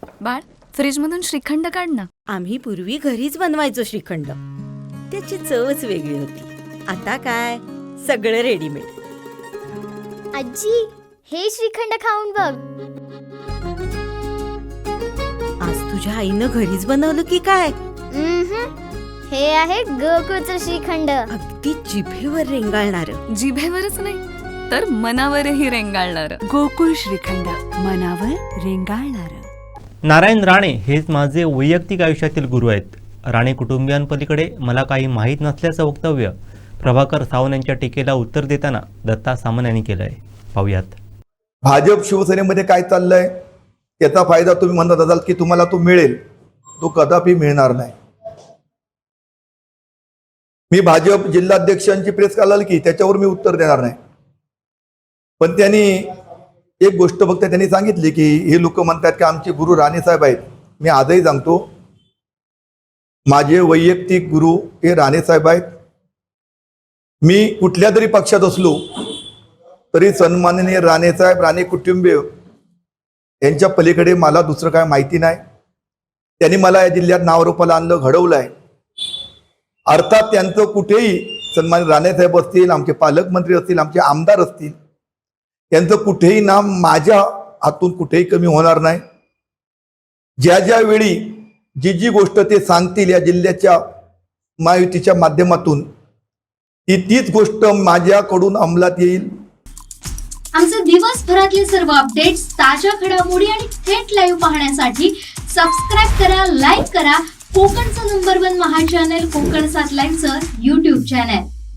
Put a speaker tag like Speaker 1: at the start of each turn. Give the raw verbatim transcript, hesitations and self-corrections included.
Speaker 1: बाळ, फ्रीजमधून श्रीखंड काढ ना.
Speaker 2: आम्ही पूर्वी घरीच बनवायचो श्रीखंड. त्याची चवच वेगळी होती. आता काय सगळं रेडीमेड.
Speaker 3: आजी, हे श्रीखंड खाऊन बघ.
Speaker 2: आज तुझ्या आईनं घरीच बनवलं की काय?
Speaker 3: उम्हम. हे आहे गोकुळचं श्रीखंड.
Speaker 2: अगदी जिभेवर रेंगाळणार.
Speaker 1: जिभेवरच नाही तर मनावरही रेंगाळणार.
Speaker 4: गोकुळ श्रीखंड, मनावर रेंगाळणार.
Speaker 5: नारायण राणे हेच माझे वैयक्तिक आयुष्यातील गुरु आहेत. राणे कुटुंबियांपलीकडे मला काही माहीत नसल्याचं वक्तव्य प्रभाकर सावंत यांच्या टीकेला उत्तर देताना दत्ता सामंत यांनी केलं आहे. पाहूयात.
Speaker 6: भाजप शिवसेनेमध्ये काय चाललंय याचा फायदा तुम्ही म्हणत असाल की तुम्हाला तो मिळेल, तो कदापि मिळणार नाही. मी भाजप जिल्हाध्यक्षांची प्रेस काढली की त्याच्यावर मी उत्तर देणार नाही. पण त्यांनी एक गोष्ट फक्त त्यांनी सांगितली की हे लोक म्हणतात की आमचे गुरु राणे साहेब आहेत. मी आजही सांगतो, माझे वैयक्तिक गुरु हे राणे साहेब आहेत. मी कुठल्या तरी पक्षात असलो तरी सन्माननीय राणे साहेब, राणे कुटुंबीय यांच्या पलीकडे मला दुसरं काय माहिती नाही. त्यांनी मला या जिल्ह्यात नावारूपाला आणलं, घडवलं आहे. अर्थात त्यांचं कुठेही सन्मानित राणेसाहेब असतील, आमचे पालकमंत्री असतील, आमचे आमदार असतील, त्यांचं कुठेही नाम माझ्या हातून कुठेही कमी होणार नाही. ज्या ज्या वेळी जी जी गोष्ट ते सांगतील या जिल्ह्याच्या महायुतीच्या माध्यमातून, ती तीच गोष्ट माझ्याकडून अंमलात येईल.
Speaker 7: आमचे दिवसभरातले सर्व अपडेट्स, ताज्या घडामोडी आणि थेट लाईव्ह पाहण्यासाठी सबस्क्राईब करा, लाईक करा कोकणचं नंबर वन महा चॅनल कोकण सात लाईव्हचं यूट्यूब चॅनल.